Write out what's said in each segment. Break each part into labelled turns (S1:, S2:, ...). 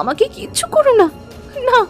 S1: আমাকে কিচ্ছু করো না, না।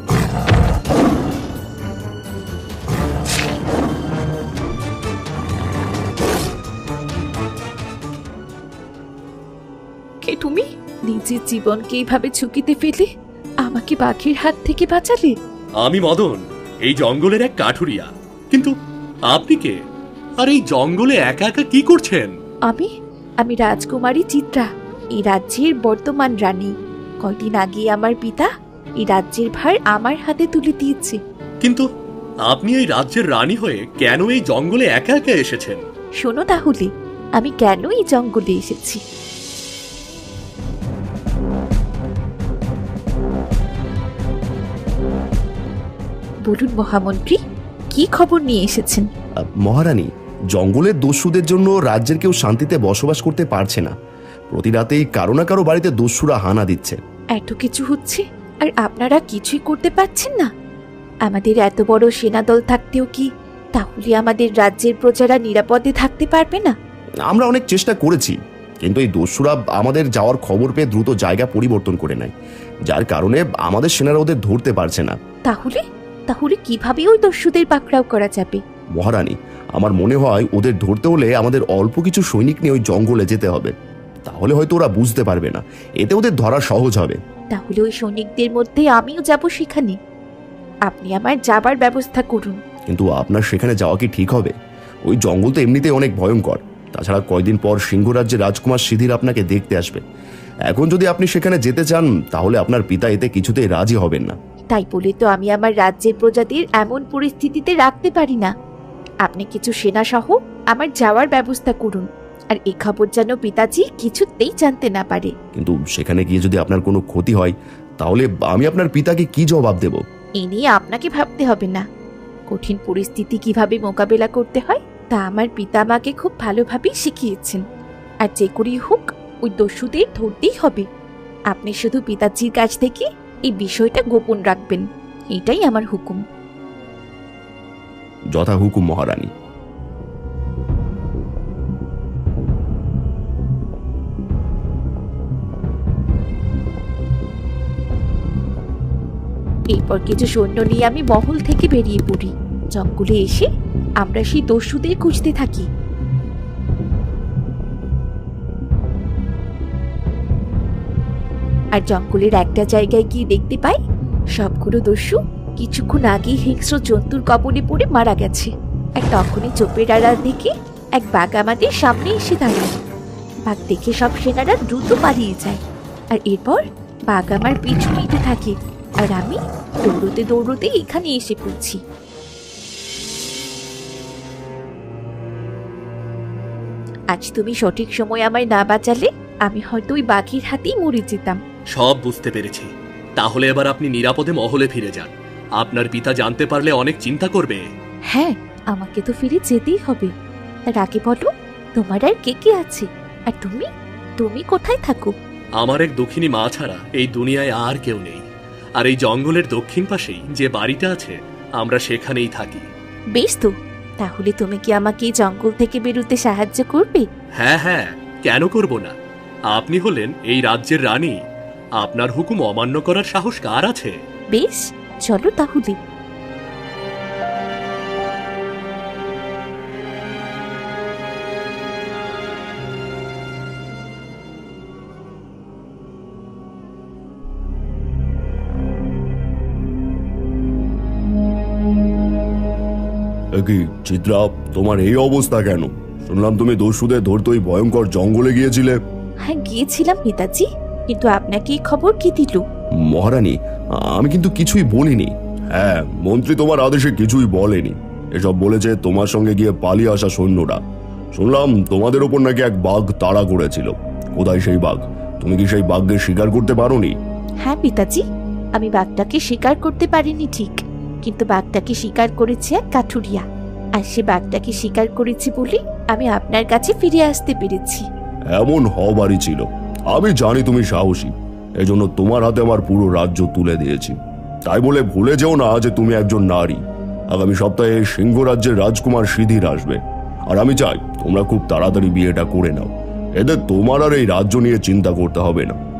S1: কে তুমি? নিজের জীবনকে এইভাবে ঝুঁকিতে ফেলে আমাকে বাঘের হাত থেকে বাঁচালে?
S2: আমি মদন, এই জঙ্গলের এক কাঠুরিয়া। কিন্তু আপনি কে? আর এই জঙ্গলে একা একা কি করছেন?
S1: আমি রাজকুমারী চিত্রা, এই রাজ্যের বর্তমান রানী। কয়দিন আগে আমার পিতা এই রাজ্যের ভার আমার হাতে তুলে দিয়েছে।
S2: কিন্তু আপনি এই রাজ্যের রানী হয়ে কেন এই জঙ্গলে একা একা এসেছেন?
S1: শোনো তাহলে, আমি কেন এই জঙ্গলে এসেছি। বলুন মহামন্ত্রী, কি খবর নিয়ে এসেছেন?
S3: মহারানী, জঙ্গলের দস্যুদের জন্য রাজ্যের কেউ শান্তিতে বসবাস করতে পারছে না। প্রতি রাতেই কারো না কারো বাড়িতে দস্যুরা হানা দিচ্ছে।
S1: এত কিছু হচ্ছে আর আপনারা কিছুই করতে পারছেন না? আমাদের এত বড় সেনাদল থাকতেও কি তাহলে আমাদের রাজ্যের প্রজারা নিরাপদে থাকতে পারবে না?
S3: আমরা অনেক চেষ্টা করেছি, কিন্তু এই দস্যুরা আমাদের যাওয়ার খবর পেয়ে দ্রুত জায়গা পরিবর্তন করে নেয়, যার কারণে আমাদের সেনারা ওদের ধরতে পারছে না।
S1: তাহলে তাহলে কিভাবে ওই দস্যুদের পাকড়াও করা যাবে?
S3: মহারানী, আমার মনে হয় ওদের ধরতে হলে আমাদের অল্প কিছু সৈনিক নিয়ে ওই জঙ্গলে যেতে হবে। তাহলে হয়তো ওরা বুঝতে পারবে না, এতে ওদের ধরা সহজ হবে।
S1: তাহলে ওই সৈনিকদের মধ্যে আমিও যাব সেখানে। আপনি আমার যাবার ব্যবস্থা করুন।
S3: কিন্তু আপনার সেখানে যাওয়া কি ঠিক হবে? ওই জঙ্গল তো এমনিতেই অনেক ভয়ঙ্কর। তাছাড়া কয়দিন পর সিংহরাজ্যের রাজকুমার সিধির আপনাকে দেখতে আসবে। এখন যদি আপনি সেখানে যেতে চান, তাহলে আপনার পিতা এতে কিছুতেই রাজি হবেন না।
S1: তাই বলে তো আমি আমার রাজ্যের প্রজাদের এমন পরিস্থিতিতে রাখতে পারি না। আপনি কিছু সেনা সহ আমার যাওয়ার ব্যবস্থা করুন, আর এই খবর যেন পিতাজি কিছুতেই জানতে না পারে।
S3: কিন্তু সেখানে গিয়ে যদি আপনার কোনো ক্ষতি হয়, তাহলে আমি আপনার পিতাকে কি জবাব দেব?
S1: এ নিয়ে আপনাকে ভাবতে হবে না। কঠিন পরিস্থিতি কিভাবে মোকাবেলা করতে হয় তা আমার পিতা আমাকে খুব ভালোভাবেই শিখিয়েছেন। আর যে করেই হোক ওই দস্যুদের ধরতেই হবে। আপনি শুধু পিতাজির কাছ থেকে এই বিষয়টা গোপন রাখবেন, এটাই আমার হুকুম।
S3: যথা হুকুম মহারানী।
S1: এরপর কিছু সৈন্য নিয়ে আমি মহল থেকে বেরিয়ে পড়ি। জঙ্গলে এসে আমরা সেই দস্যুদের খুঁজতে থাকি। আর জঙ্গলের একটা জায়গায় গিয়ে দেখতে পাই সবগুলো দস্যু কিছুক্ষণ আগেই হিংস্র জন্তুর কবলে পড়ে মারা গেছে। আর তখনই চোপের আড়াল থেকে এক বাঘ আমাদের সামনে এসে দাঁড়ায়। বাঘ দেখে সব সেনারা দ্রুত পালিয়ে যায়। আর এরপর বাঘ আমার পিছু নিতে থাকে, আর আমি দৌড়তে দৌড়তে এখানে এসে পড়ছি। আজ তুমি সঠিক সময় আমায় না বাঁচালে আমি হয়তো ওই বাঘের হাতেই মরে যেতাম।
S2: সব বুঝতে পেরেছি। তাহলে এবার আপনি নিরাপদে মহলে ফিরে যান। আপনার পিতা জানতে পারলে অনেক চিন্তা করবে।
S1: হ্যাঁ, আমাকে তো ফিরে যেতেই হবে। তার আগে বলো, তোমার আর কে কে আছে? আর তুমি তুমি কোথায় থাকো?
S2: আমার এক দক্ষিণী মা ছাড়া এই দুনিয়ায় আর কেউ নেই। আর এই জঙ্গলের দক্ষিণ পাশেই যে বাড়িটা আছে, আমরা সেখানেই থাকি।
S1: বেশ তো, তাহলে তুমি কি আমাকে এই জঙ্গল থেকে বেরোতে সাহায্য করবে?
S2: হ্যাঁ হ্যাঁ, কেন করব না? আপনি হলেন এই রাজ্যের রানী। আপনার হুকুম অমান্য করার সাহস কার আছে?
S1: বেশ, চলো তাহলে।
S3: কি চিত্রা, তোমার এই অবস্থা কেন? শুনলাম তুমি দস্যুদের ধরতে ওই ভয়ঙ্কর জঙ্গলে গিয়েছিলে।
S1: হ্যাঁ, গিয়েছিলাম পিতাজি, কিন্তু আপনাকে এই খবর কে দিল?
S3: মহারানী, আমি কিন্তু কিছুই বলিনি। হ্যাঁ, মন্ত্রী তোমার আদেশে কিছুই বলেনি। এসব বলেছে তোমার সঙ্গে গিয়ে পালিয়ে আসা সৈন্যরা। শুনলাম তোমাদের ওপর নাকি এক বাঘ তাড়া করেছিল। কোথায় সেই বাঘ? তুমি কি সেই বাঘকে শিকার করতে পারোনি?
S1: হ্যাঁ পিতাজি, আমি বাঘটাকে শিকার করতে পারিনি ঠিক, কিন্তু বাঘটাকে শিকার করেছে এক কাঠুরিয়া। আর সে বাঘটাকে শিকার করেছে বলে আমি আপনার কাছে ফিরে আসতে পেরেছি।
S3: এমন হবারই ছিল। আমি জানি তুমি সাহসী, এজন্য তোমার হাতে আমার পুরো রাজ্য তুলে দিয়েছি। তাই বলে ভুলে যেও না যে তুমি একজন নারী। আগামী সপ্তাহে সিংহরাজ্যের রাজকুমার সিধির আসবে, আর আমি চাই তোমরা খুব তাড়াতাড়ি বিয়েটা করে নাও। এতে তোমার আর এই রাজ্য নিয়ে চিন্তা করতে হবে না।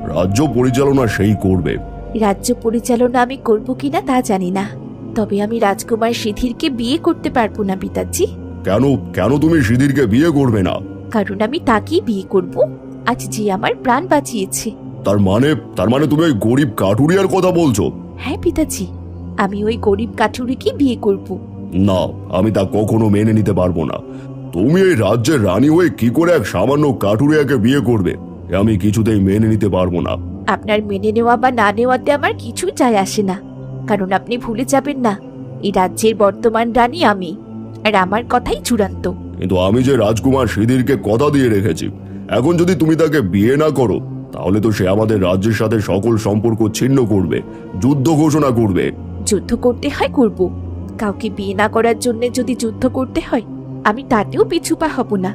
S3: রাজ্য পরিচালনা সেই করবে।
S1: রাজ্য পরিচালনা আমি করব কিনা তা জানি না, তবে আমি রাজকুমার সিধিরকে বিয়ে করতে পারবো না পিতাজি।
S3: কেন কেন তুমি সিধিরকে বিয়ে করবে না?
S1: কারণ আমি তাকেই বিয়ে করব আজ যে আমার প্রাণ বাঁচিয়েছে।
S3: তার মানে তুমি ওই গরিব কাঠুরিয়ার কথা বলছো?
S1: হ্যাঁ পিতাজি, আমি ওই গরিব কাঠুরিকে বিয়ে করব।
S3: না, আমি তা কখনো মেনে নিতে পারবো না। তুমি এই রাজ্যের রানী হয়ে কি করে এক সামান্য কাঠুরিয়াকে বিয়ে করবে? এ আমি কিছুতেই মেনে নিতে পারবো না।
S1: আপনার মেনে নেওয়া বা না নেওয়াতে আমার কিছুই যায় আসে না, কারণ আপনি ভুলে যাবেন না এই রাজ্যের বর্তমান রানী আমি, আর আমার কথাই চূড়ান্ত।
S3: কিন্তু আমি যে রাজকুমার সিধিরকে কথা দিয়ে রেখেছি, এখন যদি তুমি তাকে বিয়ে না করো তাহলে তো সে আমাদের রাজ্যের সাথে সকল সম্পর্ক ছিন্ন করবে, যুদ্ধ ঘোষণা করবে।
S1: যুদ্ধ করতে হয় করব, কাউকে বিয়ে না করার জন্য যদি যুদ্ধ করতে হয় আমি তাতেও পিছুপা হব না।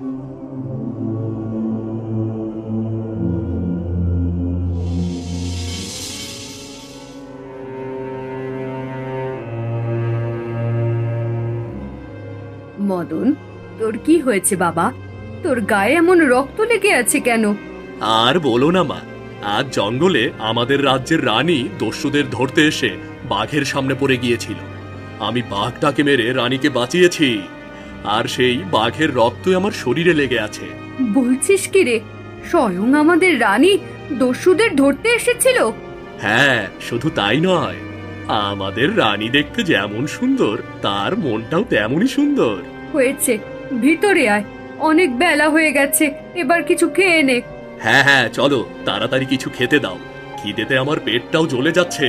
S4: মদন, তোর কি হয়েছে বাবা? তোর গায়ে এমন রক্ত লেগে আছে কেন?
S2: আর বলো না মা, আজ জঙ্গলে আমাদের রাজ্যের রানী দস্যুদের ধরতে এসে বাঘের সামনে পড়ে গিয়েছিল। আমি বাঘটাকে মেরে রানীকে বাঁচিয়েছি, আর সেই বাঘের রক্তই আমার শরীরে লেগে আছে।
S4: বলছিস কি রে? স্বয়ং আমাদের রানী দস্যুদের ধরতে এসেছিল?
S2: হ্যাঁ, শুধু তাই নয়, আমাদের রানী দেখতে যেমন সুন্দর তার মনটাও তেমনই সুন্দর।
S4: হয়েছে, ভিতরে আয়, অনেক বেলা হয়ে গেছে, এবার কিছু খেয়ে নে।
S2: হ্যাঁ হ্যাঁ, চলো তাড়াতাড়ি কিছু খেতে দাও, খিদেতে আমার পেটটাও জ্বলে যাচ্ছে।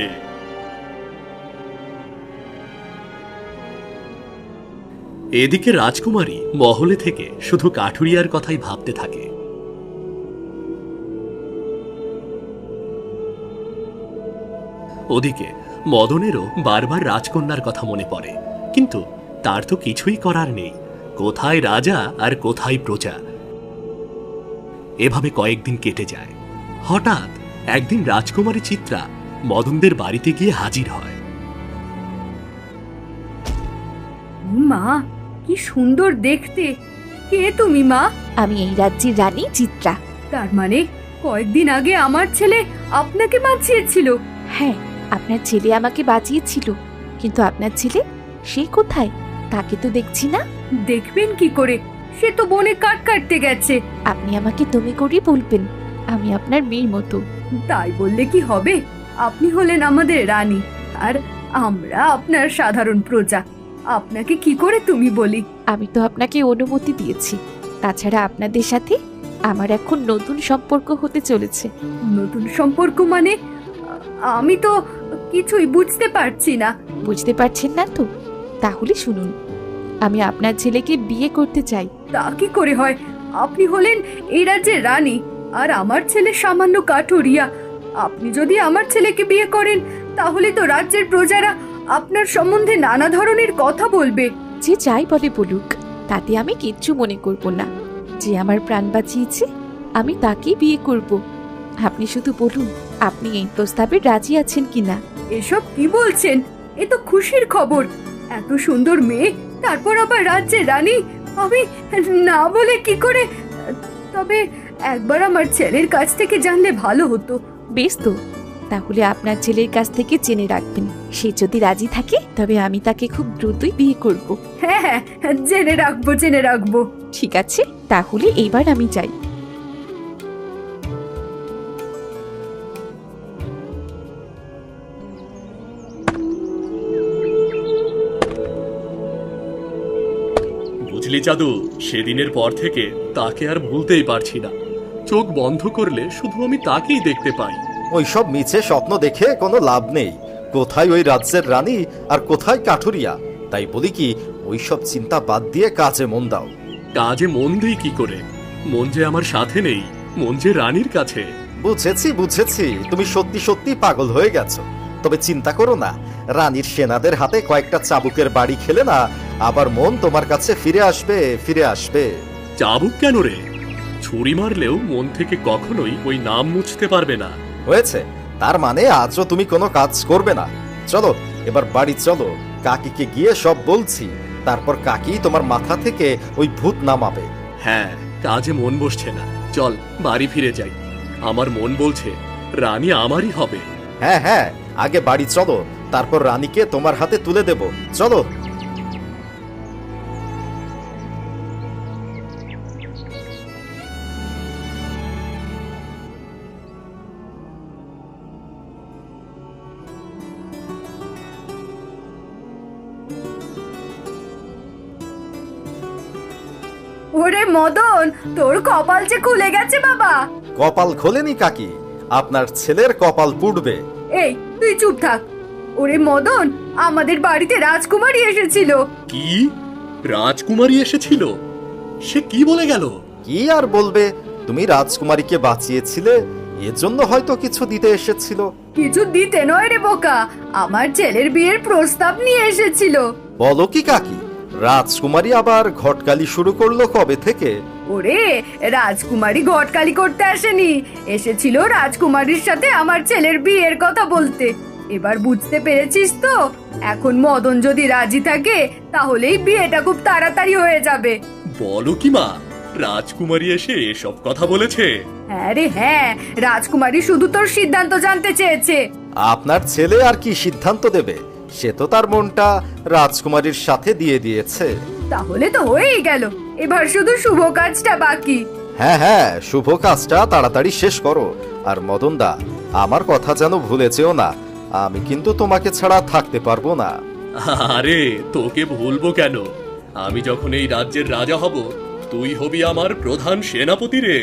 S2: এদিকে রাজকুমারী মহলে থেকে শুধু কাঠুরিয়ার কথাই ভাবতে থাকে। ওদিকে মদনেরও বারবার রাজকন্যার কথা মনে পড়ে, কিন্তু তার তো কিছুই করার নেই। কোথায় রাজা আর কোথায় প্রজা। এভাবে কয়েকদিন কেটে যায়। হঠাৎ একদিন রাজকুমারী চিত্রা মদনদের বাড়িতে গিয়ে হাজির হয়।
S4: মা, কি সুন্দর দেখতে! কে তুমি মা?
S1: আমি এই রাজ্যের রানী চিত্রা।
S4: তার মানে কয়েকদিন আগে আমার ছেলে আপনাকে বাঁচিয়েছিল?
S1: হ্যাঁ, আপনার ছেলে আমাকে বাঁচিয়েছিল, কিন্তু আপনার ছেলে সে কোথায়? তাকে তো দেখছি না।
S4: দেখবেন কি করে? সে তো বনে কাঠ কাটতে গেছে।
S1: আপনি আমাকে তুমি করেই বলবেন, আমি আপনার মেয়ের মতো।
S4: তাই বললে কি হবে? আপনি হলেন আমাদের রানী, আর আমরা আপনার সাধারণ প্রজা। আপনাকে কি করে তুমি বলি?
S1: আমি তো আপনাকে অনুমতি দিয়েছি, তাছাড়া আপনাদের সাথে আমার এখন নতুন সম্পর্ক হতে চলেছে।
S4: নতুন সম্পর্ক মানে? আমি তো কিছুই বুঝতে পারছি না।
S1: বুঝতে পারছেন না তো? তাহলে শুনুন, আমি আপনার ছেলেকে বিয়ে করতে চাই।
S4: তা কি করে হয়? আপনি হলেন এই রাজ্যের রানী, আর আমার ছেলে সামান্য কাঠুরিয়া। আপনি যদি আমার ছেলেকে বিয়ে করেন তাহলে তো রাজ্যের প্রজারা আপনার সম্বন্ধে নানা ধরনের কথা বলবে।
S1: যে যাই বলে বলুক, তাতে আমি কিচ্ছু মনে করব না। যে আমার প্রাণ বাঁচিয়েছে আমি তাকেই বিয়ে করব। আপনি শুধু বলুন, আপনি এই প্রস্তাবে রাজি আছেন কিনা?
S4: এসব কি বলছেন? এ তো খুশির খবর। এত সুন্দর মেয়ে, তারপর আবার রাজ্যের রানী। আমি না বলে কি করে? তবে একবার আমার ছেলের কাছ থেকে জানলে ভালো হতো।
S1: বেশ তো, তাহলে আপনার ছেলের কাছ থেকে জেনে রাখবেন। সে যদি রাজি থাকে তবে আমি তাকে খুব দ্রুতই বিয়ে করব।
S4: হ্যাঁ হ্যাঁ, জেনে রাখবো, জেনে রাখবো।
S1: ঠিক আছে, তাহলে এবার আমি যাই।
S2: বুঝলি জাদু, সেদিনের পর থেকে তাকে আর ভুলতেই পারছি না। চোখ বন্ধ করলে শুধু আমি তাকেই দেখতে পাই।
S5: ওইসব মিছে স্বপ্ন দেখে কোনো লাভ নেই। কোথায় ওই রাজ্যের রানী আর কোথায় কাঠুরিয়া? তাই বলি কি, ওইসব চিন্তা বাদ দিয়ে কাজে মন দাও।
S2: কাজে মন দিই কি করে? মন যে আমার সাথে নেই, মন যে রানীর কাছে।
S5: বুঝেছি বুঝেছি, তুমি সত্যি সত্যি পাগল হয়ে গেছো। তবে চিন্তা করো না, রানীর সেনাদের হাতে কয়েকটা চাবুকের বাড়ি খেলে না আবার মন তোমার কাছে ফিরে আসবে, ফিরে আসবে।
S2: চাবুক কেন রে? ছুরি মারলেও মন থেকে কখনোই ওই নাম মুছতে পারবে না।
S5: হয়েছে, তার মানে আজও তুমি কোনো কাজ করবে না। চলো এবার বাড়ি চলো, কাকিকে গিয়ে সব বলছি, তারপর কাকি তোমার মাথা থেকে ওই ভূত নামাবে।
S2: হ্যাঁ, কাজে মন বসছে না, চল বাড়ি ফিরে যাই। আমার মন বলছে রানী আমারই হবে।
S5: হ্যাঁ হ্যাঁ, আগে বাড়ি চলো, তারপর রানীকে তোমার হাতে তুলে দেব। চলো।
S4: ওরে মদন, তোর কপাল যে খুলে গেছে বাবা।
S5: কপাল খোলেনি কাকি, আপনার ছেলের কপাল পুড়বে।
S4: এই তুই চুপ থাক। ওরে মদন, আমাদের বাড়িতে রাজকুমারী এসেছিল।
S2: কি? রাজকুমারী এসেছিল? সে কি বলে গেল?
S5: কি আর বলবে, তুমি রাজকুমারীকে বাঁচিয়েছিলে, এজন্য হয়তো কিছু দিতে এসেছিল।
S4: কিছু দিতে নয় রে বোকা, আমার ছেলের বিয়ের প্রস্তাব নিয়ে এসেছিল।
S5: বলো কি কাকি, রাজকুমারী আবার ঘটকালি শুরু করলো কবে থেকে?
S4: ওরে, রাজকুমারী ঘটকালি করতে আসেনি, এসেছিল রাজকুমারীর সাথে আমার ছেলের বিয়ের কথা বলতে। এবার বুঝতে পেরেছিস তো? এখন মদন যদি রাজি থাকে তাহলেই বিয়েটা খুব তাড়াতাড়ি হয়ে যাবে।
S2: বলো কি মা, রাজকুমারী এসে এসব কথা বলেছে?
S4: হ্যাঁ রে হ্যাঁ, রাজকুমারী শুধু তোর সিদ্ধান্ত জানতে চেয়েছে।
S5: আপনার ছেলে আর কি সিদ্ধান্ত দেবে? সে তো তার মনটা রাজকুমারীর সাথে দিয়ে দিয়েছে।
S4: তাহলে তো হয়েই গেল, এবার শুধু শুভ কাজটা বাকি।
S5: হ্যাঁ হ্যাঁ, শুভ কাজটা তাড়াতাড়ি শেষ করো। আর মদনদা, আমার কথা যেন ভুলে যেও না, আমি কিন্তু তোমাকে ছাড়া থাকতে পারবো না।
S2: আরে তোকে ভুলবো কেন? আমি যখন এই রাজ্যের রাজা হব, তুই হবি আমার প্রধান সেনাপতি রে।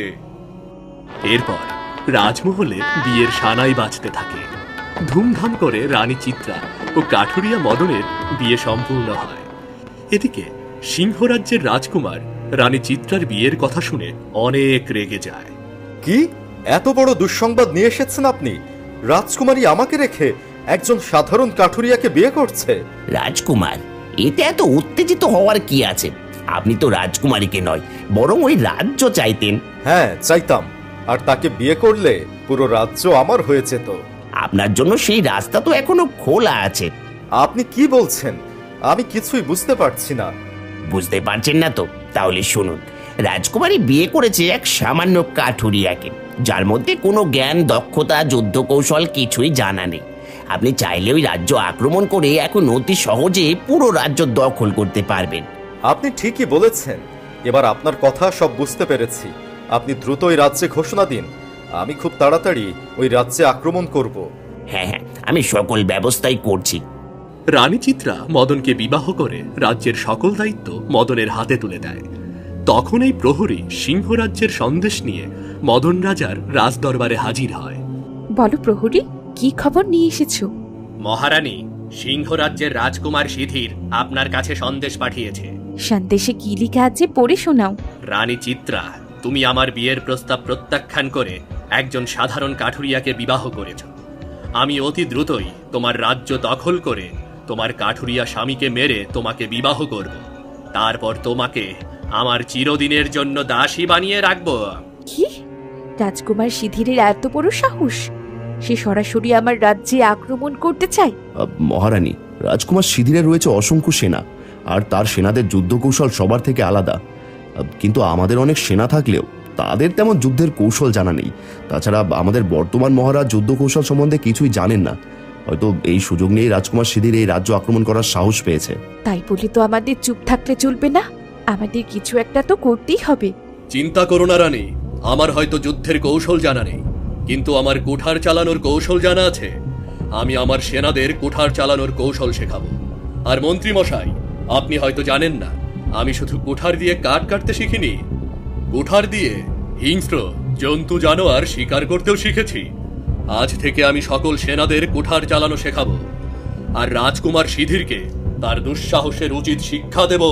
S2: এরপর রাজমহলে বিয়ের সানাই বাজতে থাকে। ধুমধাম করে রানী চিত্রা ও কাঠুরিয়া মদনের বিয়ে সম্পূর্ণ হয়। এদিকে সিংহরাজ্যের রাজকুমার রানী চিত্রার বিয়ের কথা শুনে অনেক রেগে যায়।
S5: কি এত বড় দুঃসংবাদ নিয়ে এসেছেন আপনি? রাজকুমারী আমাকে রেখে একজন সাধারণ কাঠুরিয়াকে বিয়ে করছে?
S6: রাজকুমার, এতে এত উত্তেজিত হওয়ার কি আছে? আপনি তো রাজকুমারীকে নয়, বরং ওই রাজ্য চাইতেন।
S5: হ্যাঁ চাইতাম, আর তাকে বিয়ে করলে পুরো রাজ্য আমার হয়ে যেত।
S6: আপনার জন্য সেই রাস্তা তো এখনো খোলা আছে।
S5: আপনি কি বলছেন? আমি কিছুই বুঝতে পারছি না।
S6: বুঝতে পারছেন না তো? তাহলে শুনুন, রাজকুমারী বিয়ে করেছে এক সামান্য কাঠুরিয়াকে, যার মধ্যে কোনো জ্ঞান, দক্ষতা, যুদ্ধ কৌশল কিছুই জানা নেই। আপনি চাইলে ওই রাজ্য আক্রমণ করে এখন অতি সহজে পুরো রাজ্য দখল করতে পারবেন।
S5: আপনি ঠিকই বলেছেন, এবার আপনার কথা সব বুঝতে পেরেছি। আপনি দ্রুত ওই রাজ্যে ঘোষণা দিন, আমি খুব তাড়াতাড়ি ওই রাজ্যে আক্রমণ করব।
S6: হ্যাঁ হ্যাঁ, আমি সকল ব্যবস্থাই করছি।
S2: রানী চিত্রা মদনকে বিবাহ করে রাজ্যের সকল দায়িত্ব মদনের হাতে তুলে দেয়। তখন এই প্রহরী সিংহরাজ্যের সন্দেশ নিয়ে মদন রাজার রাজদরবারে হাজির হয়।
S1: বলো প্রহরী, কি খবর নিয়ে এসেছো?
S2: মহারানী, সিংহরাজ্যের রাজকুমার সিধির আপনার কাছে সন্দেশ পাঠিয়েছে।
S1: সন্দেশে কি লিখা আছে পড়ে শোনাও।
S2: রানী চিত্রা, তুমি আমার বিয়ের প্রস্তাব প্রত্যাখ্যান করে একজন সাধারণ কাঠুরিয়াকে বিবাহ করেছ। আমি অতি দ্রুতই তোমার রাজ্য দখল করে তোমার কাঠুরিয়া স্বামীকে মেরে তোমাকে বিবাহ করব। তারপর তোমাকে আমার চিরদিনের জন্য দাসী বানিয়ে রাখবো।
S1: কি? রাজকুমার সিধিরের এত বড় সাহস? সে সরাসরি আমার রাজ্যে আক্রমণ করতে চায়?
S3: মহারানী, রাজকুমার সিধিরে রয়েছে অসংখ্য সেনা, আর তার সেনাদের যুদ্ধ কৌশল সবার থেকে আলাদা। কিন্তু আমাদের অনেক সেনা থাকলেও তাদের তেমন যুদ্ধের কৌশল জানা নেই। তাছাড়া আমাদের বর্তমান মহারাজ যুদ্ধ কৌশল সম্বন্ধে কিছুই জানেন না। হয়তো এই সুযোগ নিয়েই রাজকুমার সিধির এই রাজ্য আক্রমণ করার সাহস পেয়েছে।
S1: তাই বলে তো আমাদের চুপ থাকলে চলবে না, আমাদের কিছু একটা তো করতেই হবে।
S2: চিন্তা করো না রানী, আমার হয়তো যুদ্ধের কৌশল জানা নেই, কিন্তু আমার কুঠার চালানোর কৌশল জানা আছে। আমি আমার সেনাদের কুঠার চালানোর কৌশল শেখাবো। আর মন্ত্রী মশাই, আপনি হয়তো জানেন না, আমি শুধু কুঠার দিয়ে কাঠ কাটতে শিখিনি, কুঠার দিয়ে হিংস্র জন্তু জানোয়ার শিকার করতেও শিখেছি। আজ থেকে আমি সকল সেনাদের কুঠার চালানো শেখাবো, আর রাজকুমার সিধিরকে তার দুঃসাহসের উচিত শিক্ষা দেব।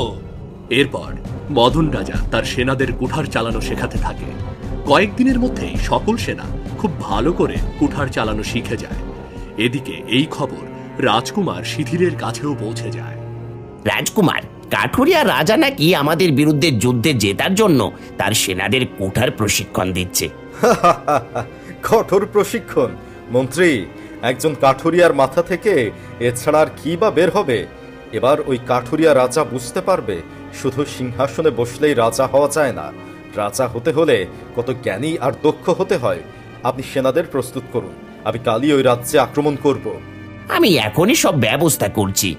S2: এরপর মদন রাজা তার সেনাদের কুঠার চালানো শেখাতে থাকে। কয়েকদিনের মধ্যেই সকল সেনা খুব ভালো করে কুঠার চালানো শিখে যায়। এদিকে এই খবর রাজকুমার সিধিরের কাছেও পৌঁছে যায়।
S6: রাজকুমার, কাঠুরিয়া রাজা নাকি আমাদের বিরুদ্ধে যুদ্ধে জেতার জন্য তার সেনাদের কুঠার প্রশিক্ষণ দিচ্ছে।
S5: কঠোর প্রশিক্ষণ? মন্ত্রী, একজন কাঠুরিয়ার মাথা থেকে এছাড়া আর কি বা বের হবে? এবার ওই কাঠুরিয়া রাজা বুঝতে পারবে শুধু সিংহাসনে বসলেই রাজা হওয়া যায় না। রাজা হতে হলে কত জ্ঞানী আর দক্ষ হতে হয়। আপনি সেনাদের প্রস্তুত করুন, আমি কালই ওই রাজ্যে আক্রমণ করব।
S6: আমি এখনই সব ব্যবস্থা করছি।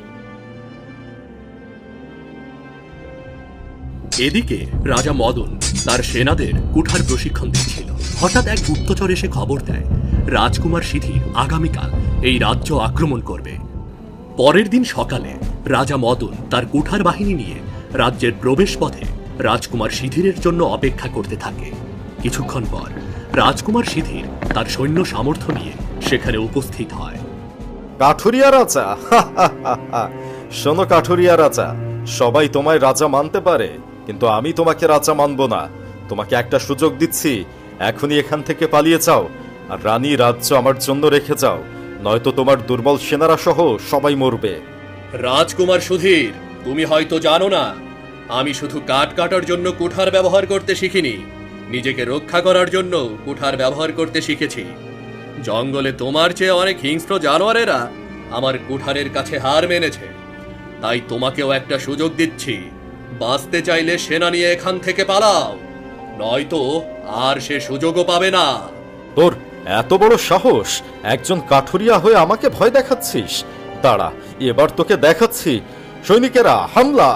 S2: এদিকে রাজা মদন তার সেনাদের কুঠার প্রশিক্ষণ দিচ্ছিল। হঠাৎ এক গুপ্তচর এসে খবর দেয় রাজকুমার সিধির আগামীকাল এই রাজ্য আক্রমণ করবে। পরের দিন সকালে রাজা মদন তার কুঠার বাহিনী নিয়ে রাজ্যের প্রবেশ পথে রাজকুমার সিধিরের জন্য অপেক্ষা করতে থাকে। কিছুক্ষণ পর রাজকুমার সিধির তার সৈন্য সামর্থ্য নিয়ে সেখানে উপস্থিত হয়।
S5: কাঠুরিয়া রাজা, শোনো কাঠুরিয়া রাজা, সবাই তোমায় রাজা মানতে পারে, কিন্তু আমি তোমাকে রাজা মানব না। তোমাকে একটা সুযোগ দিচ্ছি, এখনই এখান থেকে পালিয়ে যাও আর রানী রাজ্য আমার জন্য রেখে যাও, নয়তো তোমার দুর্বল সেনারা সহ সবাই মরবে।
S2: রাজকুমার সুধীর, তুমি হয়তো জানো না, আমি শুধু কাঠ কাটার জন্য কুঠার ব্যবহার করতে শিখিনি, নিজেকে রক্ষা করার জন্য কুঠার ব্যবহার করতে শিখেছি। জঙ্গলে তোমার চেয়ে অনেক হিংস্র জানোয়ারেরা আমার কুঠারের কাছে হার মেনেছে, তাই তোমাকেও একটা সুযোগ দিচ্ছি। বাঁচতে চাইলে সেনা নিয়ে এখান থেকে পালাও, নয়তো আর সে সুযোগও পাবে না।
S5: তোর এত বড় সাহস, একজন কাঠুরিয়া হয়ে আমাকে ভয় দেখাচ্ছিস? দাঁড়া, এবার তোকে দেখাচ্ছি। সৈনিকেরা হামলা!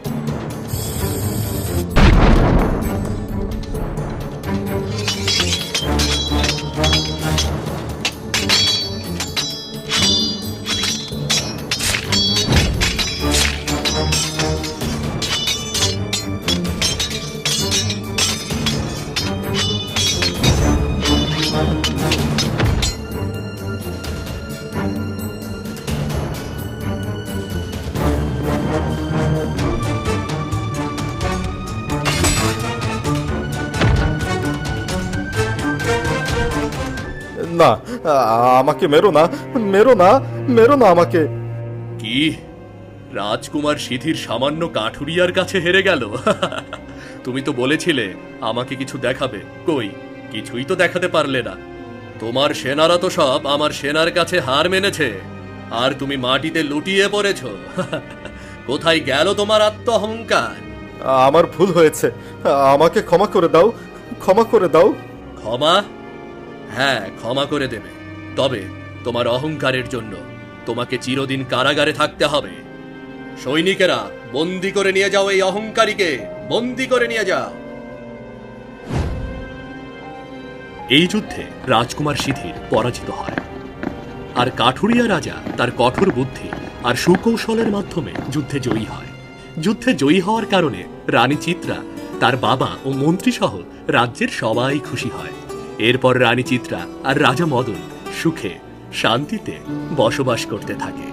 S5: না, আমাকে মেরো না, মেরো না, মেরো না আমাকে।
S2: কি, রাজকুমার সিধির সামান্য কাঠুরিয়ার কাছে হেরে গেল? তুমি তো বলেছিলে আমাকে কিছু দেখাবে, কই কিছুই তো দেখাতে পারলে না। তোমার সেনারা তো সব আমার সেনার কাছে হার মেনেছে, আর তুমি মাটিতে লুটিয়ে পড়েছ। কোথায় গেল তোমার আত্ম অহংকার?
S5: আমার ভুল হয়েছে, আমাকে ক্ষমা করে দাও, ক্ষমা করে দাও।
S2: ক্ষমা? হ্যাঁ, ক্ষমা করে দেবে, তবে তোমার অহংকারের জন্য তোমাকে চিরদিন কারাগারে থাকতে হবে। সৈনিকেরা, বন্দি করে নিয়ে যাও এই অহংকারীকে, বন্দি করে নিয়ে যাও। এই যুদ্ধে রাজকুমার সিধির পরাজিত হয়, আর কাঠুরিয়া রাজা তার কঠোর বুদ্ধি আর সুকৌশলের মাধ্যমে যুদ্ধে জয়ী হয়। যুদ্ধে জয়ী হওয়ার কারণে রানী চিত্রা, তার বাবা ও মন্ত্রী সহ রাজ্যের সবাই খুশি হয়। এরপর রানী চিত্রা আর রাজা মদন সুখে শান্তিতে বসবাস করতে থাকে।